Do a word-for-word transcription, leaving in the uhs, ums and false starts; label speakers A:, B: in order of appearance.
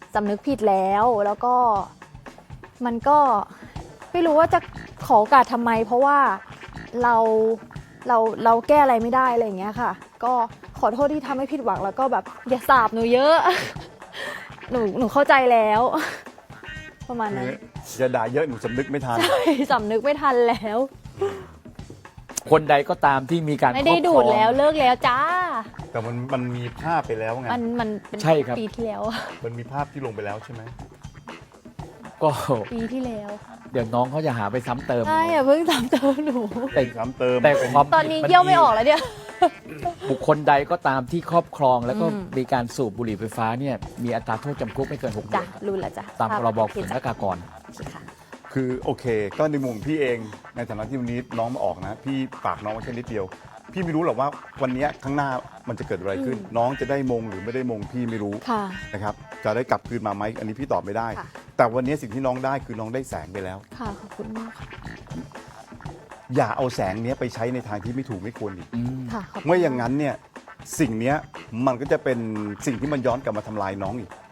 A: สำนึกผิดแล้วแล้วก็มันก็ไม่รู้ว่าจะขอโอกาสทำไม เพราะว่าเราเราเราแก้อะไรไม่ได้อะไรอย่างเงี้ยค่ะก็ขอโทษที่ทำให้ผิดหวังแล้วก็แบบอย่าสาบหนูเยอะ หนูหนูเข้าใจแล้ว ประมาณนั้น
B: อย่าด่าเยอะหนูสำนึกไม่ทัน
A: ใช่สำนึกไม่ทันแล้ว
C: คนใดก็ตามที่มีการ
A: ไม่ได้
C: ครอบ
A: ดู
C: คร
A: ด
C: อง
A: แล้วเลิกแล้วจ้า
B: แต่มันมันมีภาพไปแล้วไง
A: มันมันเป็น
C: ใช่ครับ
A: ปีที่แล้ว
B: มันมีภาพที่ลงไปแล้วใช่ไหม
C: ก็
A: ปีที่แล้ว
C: เดี๋ยวน้องเขาจะหาไปซ้ำเติม
A: ใช่อย่าเพิ่งตามเติมหนู
C: แต่
B: ซ้ำเติม
C: แต่ความ
A: ตอนนี้เยี่ยวไม่ออกแล้วเนี่ย
C: บุคคลใดก็ตามที่ครอบครอง แล้วก็
A: อืม
C: มีการสูบบุหรี่ไฟฟ้าเนี่ยมีอัตราโทษจำคุกไม่เกินหกเดื
A: จ้ะ
C: อน
A: รู้แล้วจ้ะ
C: ตามพรบ
A: โอเค
C: ศุล
A: จ้ะ
C: กากร
A: โอเคค่ะ
B: คือโอเค ก็ในมุมพี่เองในฐานะที่วันนี้น้องมาออกนะ พี่ฝากน้องไว้แค่นิดเดียว พี่ไม่รู้หรอกว่าวันนี้ข้างหน้ามันจะเกิดอะไรขึ้น
A: อืม
B: น้องจะได้มงหรือไม่ได้มงพี่ไม่รู้
A: ค่ะ
B: นะครับจะได้กลับคืนมาไหมอันนี้พี่ตอบไม่ได้
A: ค่ะ
B: แต่วันนี้สิ่งที่น้องได้คือน้องได้แสงไปแล้ว
A: ค่ะขอบคุณมากค่ะ
B: อย่าเอาแสงเนี้ยไปใช้ในทางที่ไม่ถูกไม่ควรอีก
C: อืม
A: ค่ะขอบคุณ
B: ไม่อย่างนั้นเนี่ยสิ่งเนี้ยมันก็จะเป็นสิ่งที่มันย้อนกลับมาทำลายน้องอีก